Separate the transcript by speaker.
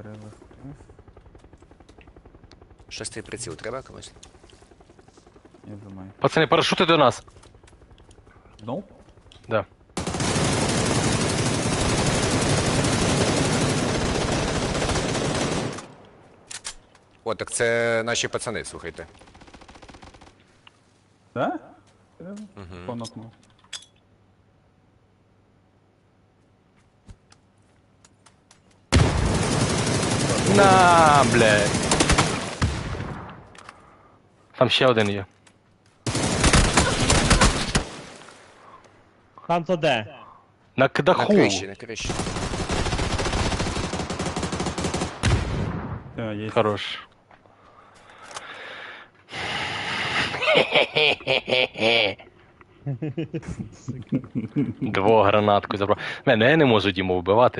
Speaker 1: перелив.
Speaker 2: Шостий приціл треба комусь?
Speaker 1: Я думаю.
Speaker 3: Пацани, парашути до нас.
Speaker 1: Ну?
Speaker 3: Да.
Speaker 2: О, так це наші пацани, слухайте.
Speaker 1: Да? Понокнув.
Speaker 3: На, блядь. Там ще один є.
Speaker 4: Там то де?
Speaker 3: На
Speaker 2: На
Speaker 3: даху.
Speaker 2: криші, на криші.
Speaker 1: Все, є.
Speaker 3: Хорош. Двох гранатку забрав. Мене я не можу Діму вбивати.